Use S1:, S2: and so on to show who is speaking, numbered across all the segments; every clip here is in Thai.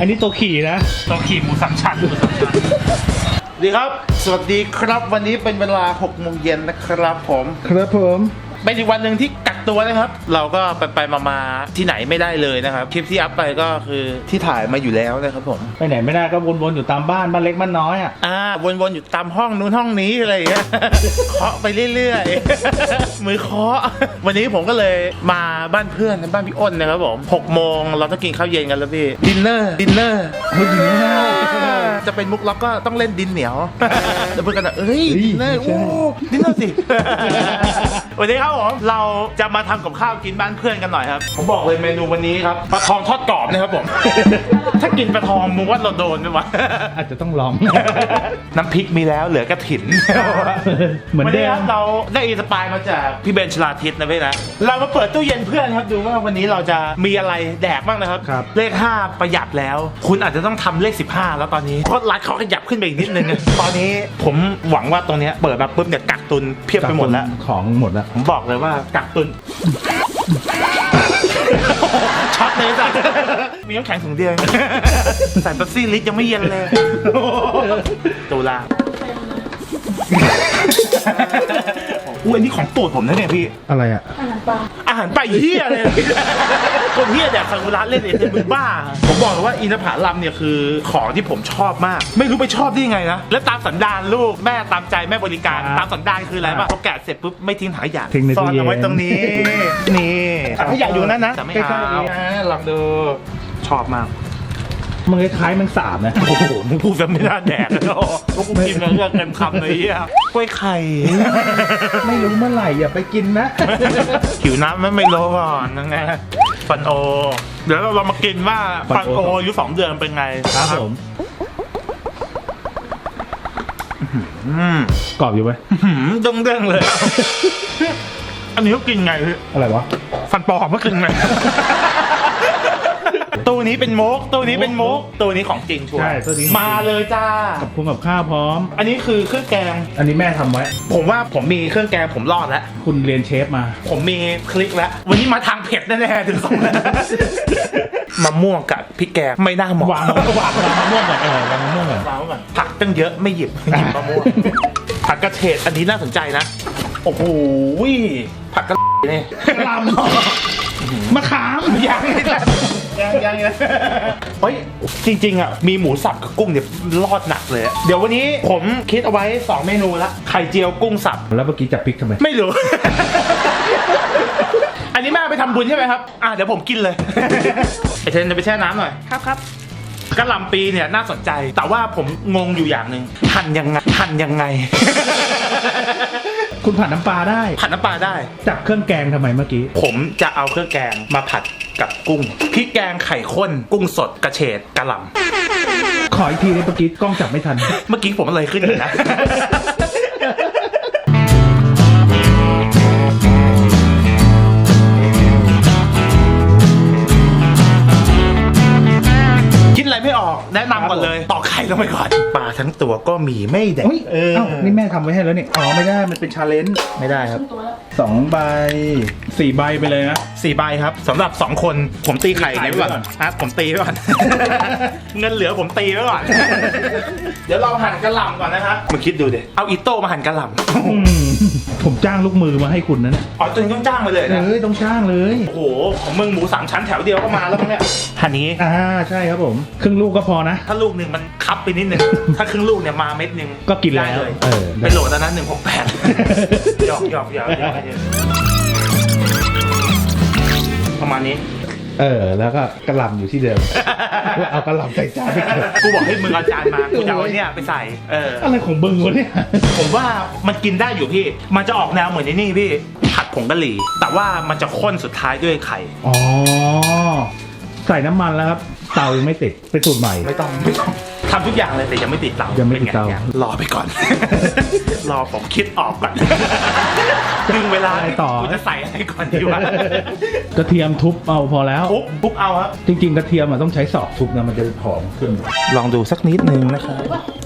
S1: นนี้ตัวขี่นะตัวขี่หมูสามชั้น
S2: ดีครับสวัสดีครับวันนี้เป็นเวลา 6 โมงเย็นนะครับผมเป็นอีกวันหนึ่งที่กักตัวนะครับเราก็ไปมาที่ไหนไม่ได้เลยนะครับคลิปที่อัพไปก็คือที่ถ่ายมาอยู่แล้วนะครับผม
S1: ไปไหนไม่ได้ก็วนๆอยู่ตามบ้านเล็กบ้านน้อย
S2: วนๆอยู่ตามห้องนู้นห้องนี้อะไรอย่างเงี้ย เคาะไปเรื่อยๆ มือเคาะวันนี้ผมก็เลยมาบ้านเพื่อนบ้านพี่อ้นนะครับผม6 โมงเราต้องกินข้าวเย็นกันแล้วพี่ดินเนอร์จะเป็นมุกล็อกก็ต้องเล่นดินเหนียวแล้วเพื่อนกันดินเนอร์ดินเนอร์สิวันนี้ครับผมเราจะมาทำกับข้าวกินบ้านเพื่อนกันหน่อยครับผมบอกเลยเมนูวันนี้ครับปลาทองทอดกรอบนะครับผม ถ้ากินปลาทองมึงว่าเราโดนไหมวะ
S1: อาจจะต้องลอง
S2: น้ำพริกมีแล้วเหลือกระถิน
S1: เหมือนเดิม
S2: เราได้อินสปายมาจากพี่เบนชลาทิศนะพี่นะเรามาเปิดตู้เย็นเพื่อนครับดูว่าวันนี้เราจะมีอะไรแดกบ้างนะครับเลข5ประหยัดแล้วคุณอาจจะต้องทำเลข15แล้วตอนนี้เพราะร้านเขาขยับขึ้นไปอีกนิดนึงตอนนี้ผมหวังว่าตรงนี้เปิดมาปุ๊บเนี่ยกักตุนเพียบไปหมดแล้ว
S1: ของหมดแล้ว
S2: ผมบอกเลยว่ากักตุนช็อตเลยจ้ะมีน้ำแข็งถุงเดียวใส่เป๊ปซี่ลิตรยังไม่เย็นเลยตุลาอันนี้ของโปรดผมนะเนี่ยพี่
S1: อะไร
S2: อาหารปลาเหี้ยเลยคนเหี้ยแดกซากุระเล่นเองมึงบ้าผมบอกเลยว่าอินทผลัมเนี่ยคือของที่ผมชอบมากไม่รู้ไปชอบได้ยังไงนะแล้วตามสันดานลูกแม่ตามใจแม่บริการตามสันดานคืออะไรป่ะพอแกะเสร็จปุ๊บไม่ทิ้งถังขยะซ่อนเอาไว้ตรงนี้นี่ถังขยะอยู่นั่นนะแต่ไม่เอาลองดูชอบมาก
S1: มันคล้ายๆมันสาบนะ
S2: โอ้โหมึงพูดแบบไม่น่าแดกเลยพวกกูกินมาเรื่องเต็มคำเลยอ่ะกล้วยไข่
S1: ไม่รู้เมื่อไหร่อย่าไปกินนะ
S2: หิวน้ำไม่รู้ก่อนยังไงฟันโอเดี๋ยวเรามากินว่าฟันโออายุ2 เดือนเป็นไง
S1: ครับผมกรอบอยู่ไหม
S2: เด้งๆเลยอันนี้เขากินไง
S1: อะไรวะ
S2: ฟันปลอมเขากินไงตัวนี้เป็นมุกตัวนี้ของจริงชัวร์มาเลยจ้า
S1: กับพวงกับข้าวพร้อม
S2: อันนี้คือเครื่องแกง
S1: อันนี้แม่ทำไว้
S2: ผมว่าผมมีเครื่องแกงผมรอดแล้ว
S1: คุณเรียนเชฟมา
S2: ผมมีคลิกแล้ววันนี้มาทางเผ็ดแน่ๆถึง2แล้วมะม่วงกับพริกแกงไม่น่าเหมาะ
S1: วางมะม่วงก่อนวางมะม่วงก่อน
S2: ผักตั้งเยอะไม่หยิบมะม่วงผักกระเฉดอันนี้น่าสนใจนะโอ้โหผักกระเนี่ย
S1: ลำมะขาม
S2: ยังเฮ้ยจริงๆอ่ะมีหมูสับกับกุ้งเนี่ยรอดหนักเลยเดี๋ยววันนี้ผมคิดเอาไว้2 เมนูละไข่เจียวกุ้งสับ
S1: แล้วเมื่อกี้จับพริกทำไม
S2: ไม่รู้ อันนี้แม่ไปทำบุญใช่ไหมครับเดี๋ยวผมกินเลยไอเทนจะไปแช่น้ำหน่อยครับกะหล่ำปีเนี่ยน่าสนใจแต่ว่าผมงงอยู่อย่างหนึ่งหั่นยังไง
S1: คุณผัดน้ำปลาได้จับเครื่องแกงทำไมเมื่อกี้
S2: ผมจะเอาเครื่องแกงมาผัดกับกุ้งพริกแกงไข่ข้นกุ้งสดกระเฉดกะหล่
S1: ำขออีกทีเมื่อกี้กล้องจับไม่ทัน
S2: เมื่อกี้ผมเลยขึ้นเลยนะอะไรไม่ออกแนะนำก่อนเลยตอกไข่ลงไปก่อนปลาทั้งตัวก็มีไม่แดก
S1: นี่แม่ทำไว้ให้แล้วนี่ไม่ได้มันเป็นชาเลนจ์
S2: ไม่ได้ครับ
S1: 2 ใบ 4 ใบไปเลยนะ
S2: 4 ใบครับสำหรับ2 คนผมตีไข่ไว้ก่อนผมตีไว้ก่อนเงินเหลือผมตีไว้ก่อนเดี๋ยวเราหั่นกะหล่ำก่อนนะครับมึงคิดดูดิเอาอิโต้มาหั่นกะหล่
S1: ำผมจ้างลูกมือมาให้คุณนะเนี่ย
S2: จนต้องจ้างมาเลยนะ
S1: ต้องจ้างเลย
S2: โอ้โหของมึงหมู3 ชั้นแถวเดียวก็มาแล้วมั้งเนี่ยหั่นนี้
S1: ใช่ครับผมครึ่งลูกก็พอนะ
S2: ถ้าลูกหนึ่งมันคับไปนิดนึงถ้าครึ่งลูกเนี่ยมาเม็ดนึง
S1: ก็กินได้
S2: เลยเป็นโหลดแล้วนะ168หยอกประมาณนี้
S1: แล้วก็กระหล่ำอยู่ที่เดิมเอากระหล่ำใส่จาน
S2: กูบอกให้มึงเอาจานมากูจะเอาเนี่ยไปใส่
S1: อะไรของมึงวะเนี่ย
S2: ผมว่ามันกินได้อยู่พี่มันจะออกแนวเหมือนนี่พี่ผัดผงกะหรี่แต่ว่ามันจะข้นสุดท้ายด้วยไข่
S1: ใส่น้ำมันแล้วครับเตายังไม่ติดเป็นสูตรใหม่
S2: ไม่ต้องทำทุกอย่างเลยแต่ยังไม่ติดเตา
S1: ยังไม่ติดเตาร
S2: อไปก่อนรอผมคิดออกก่อนดึงเวลา
S1: ต่อ
S2: กูจะใส่อะไรก่อนดีวะ
S1: กระเทียมทุบเอาพอแล้ว
S2: ทุบเอาครับ
S1: จริงๆกระเทียมมันต้องใช้ศอกทุบนะมันจะหอมขึ้น
S2: ลองดูสักนิดนึงนะครับ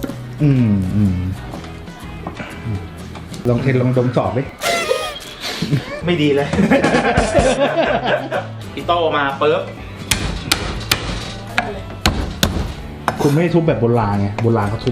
S1: ลองเทลองดมศอกดิ
S2: ไม่ดีเลยพี่โตมาปึ๊บ
S1: คุณไม่ได้ทุบแบบโบราณไงโบราณเขาทุบ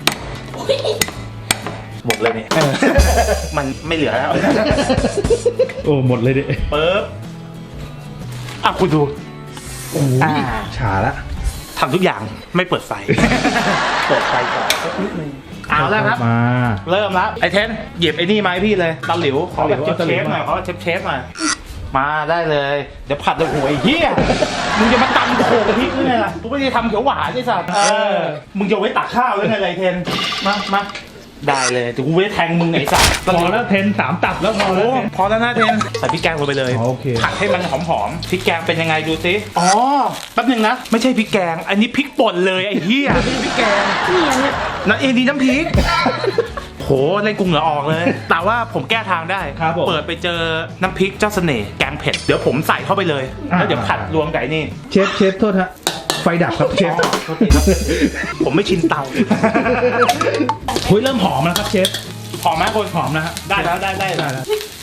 S2: หมดเลยเนี่ย มันไม่เหลือแล้ว
S1: โอ้หมดเลยดิ
S2: ปึ๊บอ่ะคุณดู
S1: โอ้ยฉาละ
S2: ทำทุกอย่างไม่เปิดไฟ เปิดไฟก่อนสักนิดนึงเอาแล้วครับ
S1: มา
S2: เริ่มแล้วไอ้เทนหยิบไอ้นี่มาให้พี่เลยตะหลิวขอแบบเชฟหน่อยขอเชฟหน่อยมาได้เลยเดี๋ยวผัดเลยโอ้ยเฮียมึงจะมาตำโขกกะทิหรือไงล่ะกูไม่ได้ทำเขียวหวานไอ้สัตว์มึงจะไว้ตักข้าวหรือไงไรเทนมาได้เลยแต่กูไม่ได้แทงมึงไอ้สัตว์
S1: พอแล้วเทน3 ตับแล้วพอแล้ว
S2: พอแล้วนะเทนใส่พริกแกงลงไปเลย
S1: โอเค
S2: ผัดให้มันหอมๆพริกแกงเป็นยังไงดูสิอ๋อแป๊บนึงนะไม่ใช่พริกแกงอันนี้พริกป่นเลยไอ้เหี้ยพริกแกงนั่นเองดีน้ำพริกโหเล่นกุ้งเหลือออกเลย แต่ว่าผมแก้ทางได้
S1: ครับผม
S2: เปิดไปเจอน้ำพริกเจ้าเสน่ห์แกงเผ็ดเดี๋ยวผมใส่เข้าไปเลยแล้วเดี๋ยวผัดรวมไก่นี่
S1: เชฟโทษฮะไฟดับครับเชฟ
S2: โทษทีครับผมไม่ชินเตา
S1: เฮ้ยเริ่มหอมแล้วครับเชฟ
S2: หอมไหมคน
S1: หอมนะฮะ
S2: ได้แล้วได้
S1: ได้แล้ว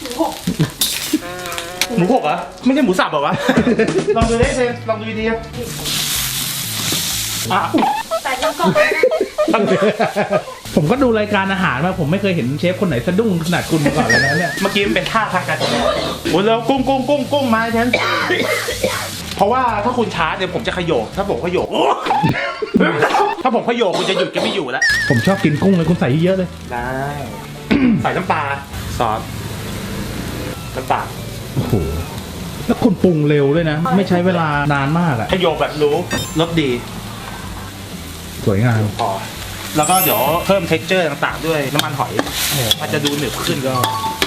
S2: หมูหกเหรอไม่ใช่หมูสับเหรอวะ ลองดูดิเซนลองดูดีๆอ่ะ
S3: ใส่น้ำก่อน
S1: ผมก็ดูรายการอาหารมาผมไม่เคยเห็นเชฟคนไหนสะดุ้งขนาดคุณมาก่อนเลยนะเนี่ย
S2: เมื่อกี้มันเป็นท่าทางการแสดงโอ้ยแล้วกุ้งมาเซนเพราะว่าถ้าคุณช้าเดี๋ยวผมจะขยโยกถ้าผมขยโยก ถ้าผมขยโยกคุณจะหยุดก็ไม่อยู่แล้ว
S1: ผมชอบกินกุ้งเลยคุณใส่เยอะเลย
S2: ได้ ใส่น้ำปลาซอสน้ำปลา
S1: โอ้โหแล้วคุณปรุงเร็วด้วยนะ ไม่ใช้เวลานานมากอะ
S2: ขยโยกแบบรู้รสดี
S1: สวยงาม
S2: พอแล้วก็เดี๋ยวเพิ่ม texture ต่างๆ ด้วยน้ำมันหอยมันจะดูหนึบขึ้นก็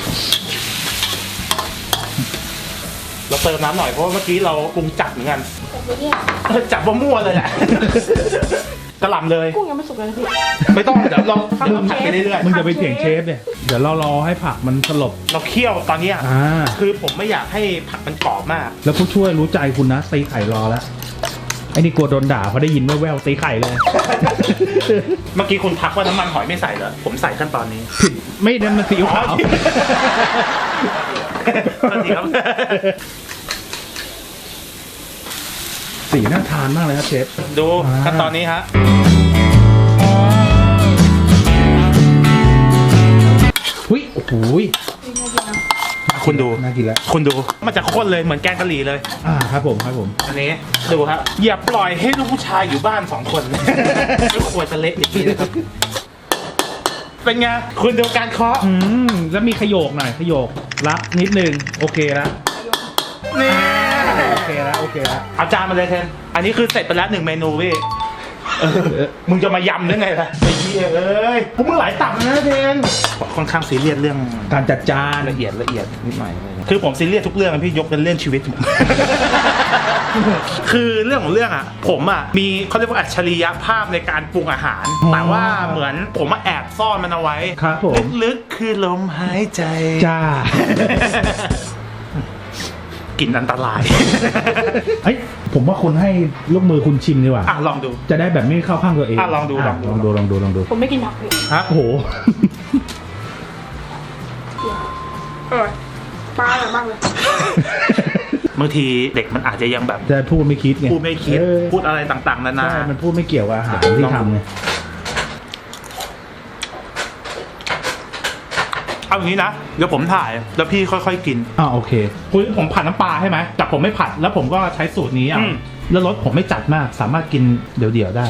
S2: เราเติมน้ำหน่อยเพราะว่าเมื่อกี้เราปรุงจัดเหมือนกัน
S3: แต่ไม่เนี่ย
S2: จับมั่วๆเลยแหละ กระหล่ำเลย
S3: กุ้งยังไม่สุกเลยนะพี่
S2: ไม่ต้องเดี๋ยวเราผัดไปเรื่อย
S1: มึงจะไปเถียงเชฟเนี่ยเดี๋ยวเรารอให้ผักมันสลบ
S2: ๆเราเคี่ยวตอนเนี้ย
S1: า
S2: คือผมไม่อยากให้ผักมันกรอบมาก
S1: แล้วผู้ช่วยรู้ใจคุณนะตีไข่รอแล้วไอ้นี่กลัวโดนด่าเพราะได้ยินแว่วๆตีไข่เลย
S2: เมื่อกี้คุณทักว่าน้ำมันหอยไม่ใส่เหรอผมใส่ขั้นตอนนี้
S1: ผิดไม่นั่นมันซีอิ๊วขาว
S2: สวัสดีครับ
S1: สีน่าทานมากเลยครับเชฟ
S2: ดูขั้นตอนนี้ฮะ
S1: หุ้ยโอ้โหย
S2: คุณดู
S1: น่ากินแล้ว
S2: คุณดูมันจะข้นเลยเหมือนแกงกะหรี่เลย
S1: ครับผมครับผม
S2: อันนี้ดูครับอย่าปล่อยให้ลูกผู้ชายอยู่บ้าน2 คน ไม่ควรจะเละอย่างนี้นะครับเป็นไงคุณดูการเคาะ
S1: แล้วมีขยโยกหน่อยขยโยกรับนิดนึงโอเคแล้ว
S2: นี่
S1: โอเคแล้วโอเคแล้ว
S2: เอาจานมาเลยเทนอันนี้คือเสร็จไปแล้ว1 เมนูพี่มึงจะมายำได้ไงล่ะไอ้เหี้ยเอ้ยพวกมึงหลายตับนะเทนค่อนข้างซีเรียสเรื่อง
S1: การจัดจาน
S2: ละเอียดนิดหน่อยคือผมซีเรียสทุกเรื่องนะพี่ยกเป็นเรื่องชีวิต คือเรื่องของเรื่องอ่ะผมอ่ะมีเขาเรียกว่าอัจฉริยภาพในการปรุงอาหาร แต่ว่าเหมือนผมมาแอบซ่อนมันเอาไว้
S1: ครับผม
S2: ลึกๆคือลมหายใจ
S1: จ้า
S2: กลิ่นอันตราย
S1: เฮ้ยผมว่าคุณให้ลูกมือคุณชิมดีกว่า
S2: อ่ะลองดู
S1: จะได้แบบไม่เข้าข้างตัวเอง
S2: ลองดู
S1: ลองดู
S3: ผมไม่กินผักพี่
S2: ฮะ
S1: โอ้โห
S3: ปลาอร่อยมากเลย
S2: บางทีเด็กมันอาจจะยังแบบ
S1: จะพูดไม่คิดไง
S2: พูดไม่คิด
S1: เออ
S2: พูดอะไรต่างๆนานา
S1: ใช่มันพูดไม่เกี่ยวกับอาหารที่ทำไง
S2: เอาอย่างนี้นะเดี๋ยวผมถ่ายแล้วพี่ค่อยๆกิน
S1: โอเคคุณผมผัดน้ำปลาใช่ไหมแต่ผมไม่ผัดแล้วผมก็ใช้สูตรนี้
S2: อืม
S1: แล้วรสผมไม่จัดมากสามารถกินเดี่ยวๆได้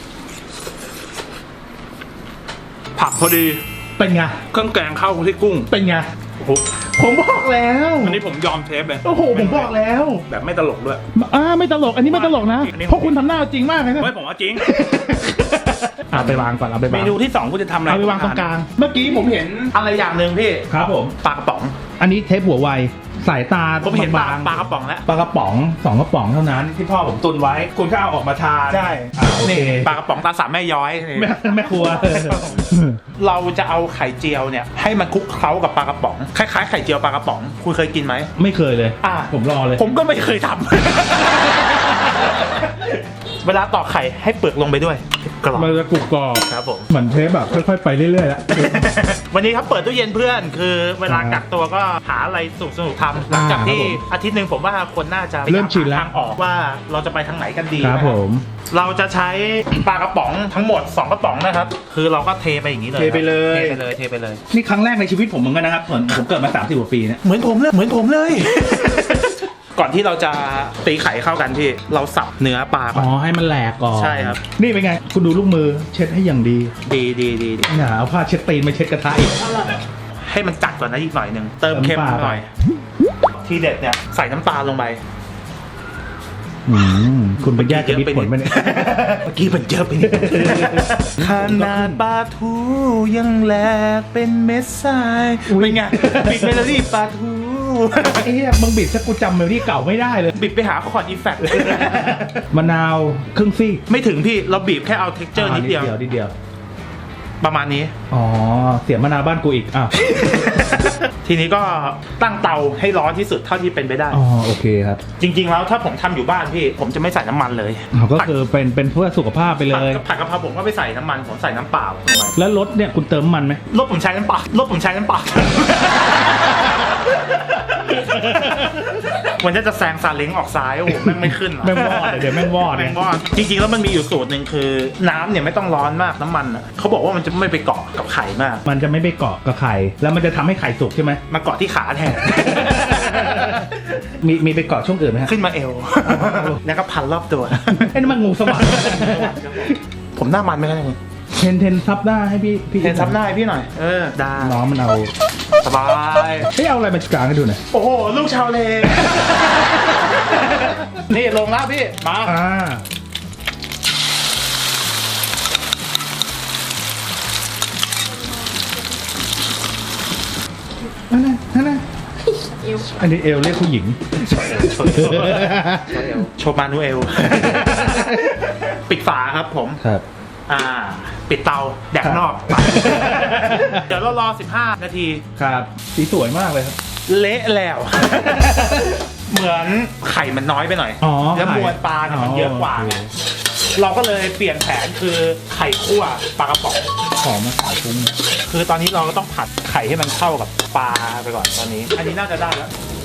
S2: ผักพอดี
S1: เป็นไง
S2: เครื่องแกงเข้าที่กุ้ง
S1: เป็นไง
S2: โอ้โห
S1: ผมบอกแล้ว
S2: อันนี้ผมยอมเทปเลย
S1: โอ้โหผมบอกแล้ว
S2: แบบไม่ตลกด้วย
S1: ไม่ตลกอันนี้ไม่ตลกนะ
S2: อันนี้
S1: เพราะคุณทำหน้าจริงมากเลยนะ
S2: ไม่ผมว่าจริง
S1: เอาไปวางก่อนเอาไป
S2: เม
S1: วาง
S2: นูที่2คุณจะทำอะไร
S1: เอาไปวางตรงกลาง
S2: เมื่อกี้ผมเห็นอะไรอย่างหนึ่งพี่
S1: ครับผม
S2: ปลากระป๋อง
S1: อันนี้เทปหัวไวสายตา
S2: ผมเห็นปลา
S1: บาง
S2: ปลากระป๋องแล้ว
S1: ปลากระป๋อง2 กระป๋องเท่านั้นที่พ่อผมตุนไว้ คุณก็เอาออกมาทาน
S2: ใช่
S1: โอเค
S2: ปลากระป๋องตาสามแม่ย้อยนี่
S1: แม่ครัว
S2: เราจะเอาไข่เจียวเนี่ยให้มันคลุกเคล้ากับปลากระป๋องคล้ายๆไข่เจียวปลากระป๋องคุณเคยกินไหม
S1: ไม่เคยเลย
S2: อ่ะ
S1: ผมรอเลย
S2: ผมก็ไม่เคยทำ เวลาตอกไข่ให้เปลือกลงไปด้วยกรอบ
S1: มันจะกรุบกรอบ
S2: ครับผม
S1: เหมือนเทปแบบค่อยๆไปเรื่อยๆแล้ว
S2: วันนี้ครับเปิดตู้เย็นเพื่อนคือเวลากักตัวก็หาอะไรสนุกๆทำหลังจากที่อาทิตย์หนึ่งผมว่าคนน่าจะ
S1: เริ่มชินแล้ว
S2: หาทางออกว่าเราจะไปทางไหนกันดี
S1: ครับ
S2: นะ
S1: ผม
S2: เราจะใช้ปลากระป๋องทั้งหมด2กระป๋องนะครับคือเราก็เทไปอย่างนี้เลย
S1: เทไปเลย
S2: เทไปเลย
S1: นี่ครั้งแรกในชีวิตผมเหมือนกันนะครับผมเกิดมา30 กว่าปีเนี่ย
S2: เหมือนผมเลย ก่อนที่เราจะตีไข่เข้ากันพี่เราสับเนื้อปลาก่
S1: อ๋
S2: อน
S1: อให้มันแหลกก่อน
S2: ใช่ครับ
S1: นี่เป็นไง คุณดูลูกมือเช็ดให้อย่างดี
S2: ดี
S1: อย่าเอาผ้าเช็ดตีนมาเช็ดกระทะอีก
S3: อร่อย
S2: ให้มันจัดก่อนนะอีกหน่อยหนึ่งเติมเค็ม
S1: เติมปลา
S2: หน่อย ทีเด็ดเนี่ยใส่น้ำตาลลงไป
S1: คุณไปแยกจะมิดผลไปเนี่ย
S2: เมื่อกี้มันเยอะไปนิดขนาดปลาทูยังแหลกเป็นเม็ดทรายเป็นไงบิดเมโลดี้ปลาทู
S1: ไอ้เหี้ยมึงบิดซะกูจำเมโลดี้เก่าไม่ได้เลย
S2: บิดไปหาคอร์ดอีแฟกต์
S1: มะนาวครึ่งซี่
S2: ไม่ถึงพี่เราบีบแค่เอาเท็กเจอร์นิดเดียว
S1: นิดเดียว
S2: ประมาณนี้
S1: อ๋อเสียมะนาวบ้านกูอีกอ้าว
S2: ทีนี้ก็ตั้งเตาให้ร้อนที่สุดเท่าที่เป็นไปได้
S1: อ๋อโอเคครับ
S2: จริง ๆ แล้วถ้าผมทำอยู่บ้านพี่ ผมจะไม่ใส่น้ำมันเลย
S1: ก็คือเป็นเพื่อสุขภาพไปเลย
S2: ผัดกะเพราผมก็ไม่ใส่น้ำมันผมใส่น้ำเปล่าลงไป
S1: แล้วรถเนี่ยคุณเติมมันไหม
S2: รถผมใช้น้ำเปล่ารถผมใช้น้ำเปล่า มันจะแซงซาเล้งออกซ้ายโอ้โหแม่งไม่ขึ้นว่ะ
S1: แม่งวอดเดี๋ยวแม่งวอด
S2: แม่งวอดจริงๆแล้วมันมีอยู่สูตรหนึ่งคือน้ำเนี่ยไม่ต้องร้อนมากน้ำมันอะเขาบอกว่ามันจะไม่ไปเกาะกับไข่มาก
S1: มันจะไม่ไปเกาะกับไข่แล้วมันจะทำให้ไข่สุกใช่ไหม
S2: มาเกาะที่ขาแทน
S1: มีไปเกาะช่วงอื่นไหมฮะ
S2: ขึ้นมาเอว แล้วก็พันรอบตัว
S1: ไอ้นั่นมันงูสวัสด์
S2: ผมหน้ามันไหมครับเนี่ย
S1: เทนซับหน้าให้พี่
S2: เห็นซับหน้าให้พี่หน่อยได้
S1: น้องมันเอา
S2: สบาย
S1: เอาอะไรมากางให้ดูหน่อย
S2: โอ้โหลูกชาวเล นี่ลงแล้วพี่มา
S1: นั่นน่ะ
S3: เอว
S1: อันนี้เอลเรียกผู้หญิง
S2: โชว์มานูเอล ปิดฝาครับผม
S1: ครับ
S2: ปิดเตาแดกนอก เดี๋ยวเรารอ15 นาที
S1: ครับสีสวยมากเลยครับ
S2: เละแล้ว เหมือนไข่มันน้อยไปหน่อย
S1: อ๋อ
S2: แล้วมวลปลาเนี่ยมันเยอะกว่า
S1: โอเค
S2: เราก็เลยเปลี่ยนแผนคือไข่คั่วปลากระป๋อง
S1: หอมมาขายคุ้มเนี่ย
S2: คือตอนนี้เราก็ต้องผัดไข่ให้มันเข้ากับปลาไปก่อนตอนนี้ อันนี้น่าจะได้แล้ว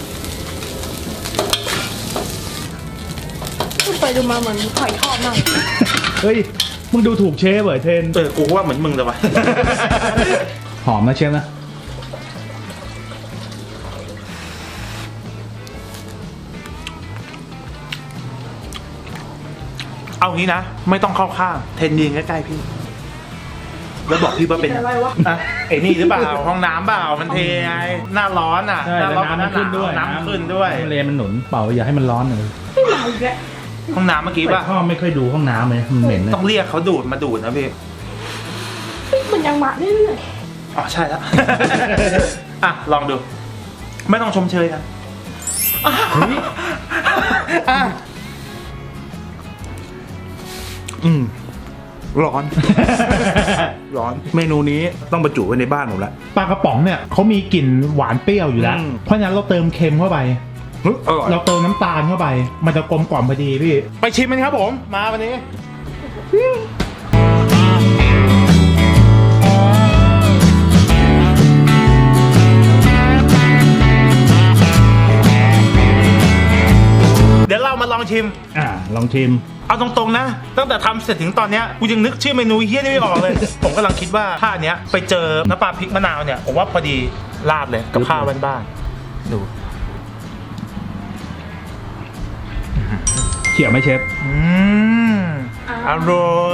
S3: ไปดูมาเหมือนไข่ทอดมาก
S1: เฮ้ยมึงดูถูกเชฟเหรอเทน
S2: กูว่าเหมือนมึงเลยวะ
S1: หอมนะเชฟนะ
S2: เอางี้นะ ไม่ต้องเข้าข้างเทนยืนใกล้ๆพี่ แล้วบอกพี่ว่าเป็น
S3: อะไรวะ
S2: อ่ะไอ้นี่หรือเปล่า ห้องน้ำเปล่ามันเทไงหน้าร้อนอ่ะ
S1: ใช่
S2: หน้า
S1: แล้ว
S2: ร้อน
S1: น้ำมันขึ้นด้วย
S2: น้ำขึ้นด้วย
S1: น้ำเลมันหนุนเปล่าอย่าให้มันร้อนเลย
S3: ไม่มาอีกแล้ว
S2: ห้องน้ำเมื่อกี้ป่ะ
S1: พ่อไม่ค่อยดูห้องน้ำเลยมันเหม็นเลย
S2: ต้องเรียกเขาดูดมาดูดนะพี่
S3: มันยังมาเรื่อย
S2: อ๋อใช่แล้ว อ่ะลองดู ไม่ต้องชมเชยกัน
S1: เฮ้ย
S2: อ่ะร้อน ร้อน เมนูนี้ต้องบรรจุไว้ในบ้านผมละ
S4: ปลากระป๋องเนี่ยเขามีกลิ่นหวานเปรี้ยวอยู่แล้ว
S2: อืม
S4: เพราะฉะนั้นเราเติมเค็มเข้าไป
S2: อร่อย
S4: เราเติมน้ำตาลเข้าไป มันจะกลมกล่อมพอดีพี่
S2: ไปชิมมันครับผม มาวันนี้ เดี๋ยวเรามาลองชิม
S1: ลองชิม
S2: เอาตรงๆนะ ตั้งแต่ทำเสร็จถึงตอนเนี้ยกูยังนึกชื่อเมนูเฮี้ยนี่ไม่ออกเลย ผมกำลังคิดว่าถ้าอันเนี้ยไปเจอน้ำปลาพริกมะนาวเนี่ย ผมว่าพอดีราดเลยกับข้าวบ้านๆดู
S1: เขี่ยวไหมเชฟ
S2: อร่อย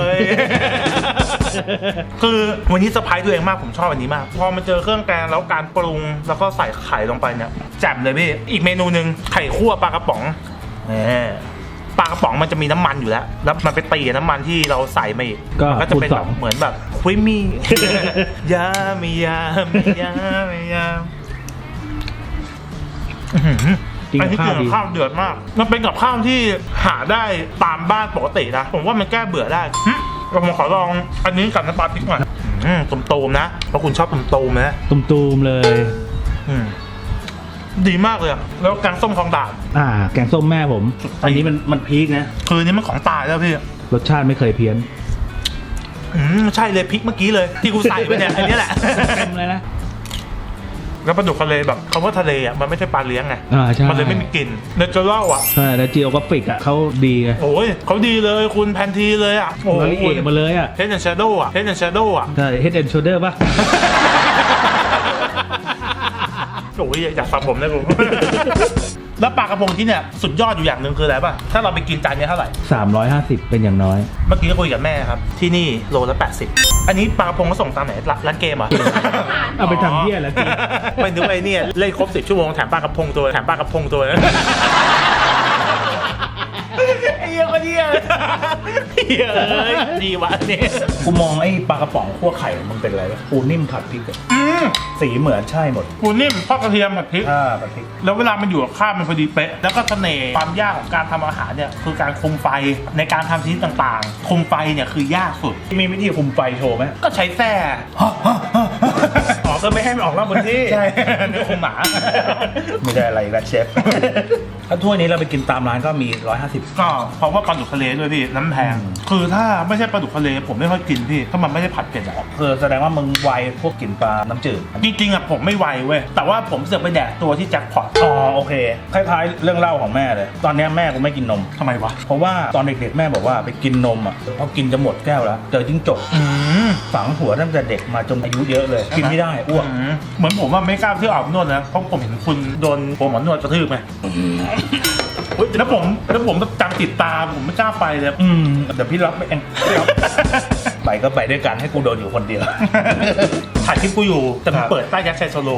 S2: คือวันนี้เซอร์ไพรส์ตัวเองมากผมชอบอันนี้มาก พอมาเจอเครื่องแกงแล้วการปรุงแล้วก็ใส่ไข่ลงไปเนี่ยแจ่มเลยพี่ อีกเมนูหนึ่งไข่คั่วปลากระป๋องปลากระป๋องมันจะมีน้ำมันอยู่แล้ว แล้วมันไปตีกับน้ำมันที่เราใส่มาอีก
S1: ก็
S2: มันก็จะเป็น
S1: คูณ
S2: แบ
S1: สอบ ง
S2: เหมือนแบบคุยมี่ ยาไม่ยามยาไม่ยาม
S1: กิน
S2: อัน
S1: กับ
S2: นี้
S1: ข้า
S2: กิ
S1: วน ดี
S2: กับข้าวเดือดมาก มันเป็นกับข้าวที่หาได้ตามบ้านปกตินะ ผมว่ามันแก้เบื่อได้เรามาขอลองอันนี้กับน้ำปลาพริกหน่อยตุ่มๆนะเพราะคุณชอบตุ่มๆนะ
S1: ตุมๆเลย
S2: ดีมากเลยอะแล้วแกงส้มคลองด่าน
S1: แกงส้มแม่ผม อันนี้มันพีคนะ
S2: คืออันนี้มันของตายแล้วพี่
S1: รสชาติไม่เคยเพี้ยน
S2: ใช่เลยพริกเมื่อกี้เลยที่กูใส่ไปเนี่ยอันนี้แหละ
S1: เต็มเลยนะ
S2: แล้วปลาดุกทะเลแบบคำว่าทะเลอ่ะมันไม่ใช่ปลาเลี้ยงไง
S1: ใช่
S2: มันเลยไม่มีกลิ่นเนเจอรัลอ่ะ
S1: ใช่แล้วจีโอกราฟิกอ่ะเขาดีไง
S2: โอ้ยเขาดีเลยคุณแพนทีเลยอ่ะโอ้
S1: เราเอะมาเลยอ่ะ
S2: เฮดแอนด์แชโดว์อ่ะเฮดแอนด์แชโดว์อ่ะ
S1: ใช่ Head and Shoulder ป่ะ
S2: โอ้ยอยากฟังผมนะกู แล้วปลากระพงที่เนี่ยสุดยอดอยู่อย่างหนึ่งคืออะไรป่ะถ้าเราไปกินจานนี้เท่าไหร่
S1: 350 เป็นอย่างน้อย
S2: เมื่อกี้ก็คุยกับแม่ครับที่นี่โลละ80อันนี้ปลากระพงก็ส่งตามไหนร้านเกมเหรอ
S1: เอาไปทำเหี้ยแล้วจี
S2: ไม่นึกไอ้เนี่ยเล่นครบ10 ชั่วโมงแถมปลากระพงตัวแถมปลากระพงตัวไอ้เหี้ยก็เหี้ยเหี้ยเลยดีวะเนี่ย
S5: กูมองไอ้ปลากระป๋องคั่วไข่มันเป็นอะไรวะปูนิ่มผัดพริกอะสีเหมือนใช่หมด
S2: ปูนิ่มทอดกระเทียมผัดพริก
S5: ผัดพริก
S2: แล้วเวลามันอยู่กับข้าวมันพอดีเป๊ะแล้วก็เสน่ห์ความยากของการทำอาหารเนี่ยคือการคุมไฟในการทำชนิดต่างๆ คุมไฟเนี่ยคือยากสุด
S5: มีวิธีคุมไฟโชว์ไหม
S2: ก็ใช้แส้
S5: อ๋อก็ไม่ให้มันออกนอกพื้นที่
S2: ใช่นี่คุมหมา
S5: ไม่ได้อะไรนะเชฟ ถ้าถ้วยนี้เราไปกินตามร้านก็มี 150
S2: ก็เพราะว่าปลาดุกทะเลด้วยพี่น้ำแพงคือถ้าไม่ใช่ปลาดุกทะเลผมไม่ค่อยกินพี่ถ้ามันไม่ได้ผัดเผ็ดอะ
S5: คือแสดงว่ามึงไวพวกกินปลาน้ำจืด
S2: จริงๆอะผมไม่ไวเว้ยแต่ว่าผมเสือกไปแดกตัวที่แจ็คพอต
S5: อ๋อโอเค คล้ายๆเรื่องเล่าของแม่เลย ตอนเนี้ยแม่กูไม่กินนม
S2: ทำไมวะ
S5: เพราะว่าตอนเด็กๆแม่บอกว่าไปกินนมอ่ะพอกินจะหมดแก้วแล้วเจอจิ้งจก
S2: ม
S5: ฝังหัวตั้งแต่เด็กมาจนอายุเยอะเลย กินไม่ได้อ้วก
S2: เหมือนผมว่าไม่กล้าที่ออกนวดนะเพราะผมเห็นคุณโดนโปรหมอนวดกระทืบไงแล้วผมจำติดตาผมไม่กล้าไปเลย
S5: เดี๋ยวพี่รับไปเองพี่รับ ไปก็ไปด้วยกันให้กูโดนอยู่คนเดียว
S2: ถ่ายคลิปกูอยู่แต่ผมเปิดใต้ยักษ์ชัยโซโล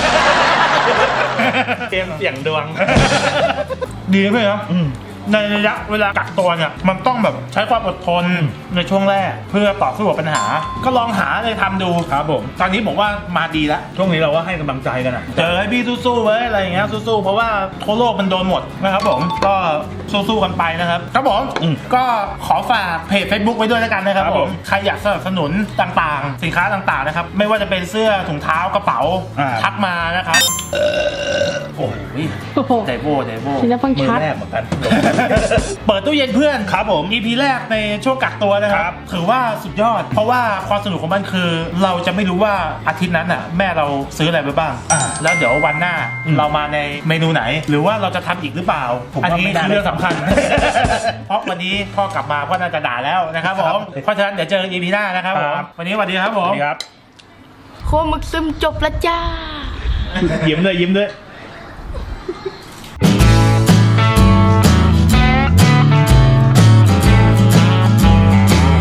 S5: เกมเสี่ยงดวง
S2: ดีไหมครับในระยะเวลากักตัวเนี่ยมันต้องแบบใช้ความอดทนในช่วงแรกเพื่อต่อสู้กับปัญหา ก็ลองหาอะไรทำดู
S5: ครับผม
S2: ตอนนี้ผมว่ามาดีแล้ว
S5: ช่วงนี้เราก็ให้กำลังใจกันอ่ะ
S2: เจอให้พี่สู้ๆไว้อะไรอย่างเงี้ยสู้ๆเพราะว่าทั่วโลกมันโดนหมดนะครับผมก็สู้ๆกันไปนะครับครับผมก็ขอฝากเพจ Facebook ไว้ด้วยแล้วกันนะครับผมใครอยากสนับสนุนต่างๆ สินค้าต่างๆนะครับไม่ว่าจะเป็นเสื้อถุงเท้ากระเป๋าทักมานะครับ
S5: โอ้โห
S3: โอ้โห
S2: เดโบ
S3: ทีละฟัง
S5: มือ
S3: ชัด
S5: แรกเหมือนกัน
S2: เปิดตู้เย็นเพื่อน
S5: ครับผม
S2: EP แรกในช่วงกักตัวนะครับ ถือว่าสุดยอด เพราะว่าความสนุกของมันคือ เราจะไม่รู้ว่าอาทิตย์นั้นน่ะแม่เราซื้ออะไรไปบ้าง แล้วเดี๋ยววันหน้าเรามาในเมนูไหน หรือว่าเราจะทำอีกหรือเปล่า อันนี้คือเรื่องสำคัญ เพราะวันนี้พ่อกลับมาพ่อน่าจะด่าแล้วนะครับผมเพราะฉะนั้นเดี๋ยวเจอ EP หน้านะครับผมวันนี้สวัสดีครับผม
S5: ครับ
S3: โคมึกซึมจบแล้วจ้า
S1: ยิ้มด้วย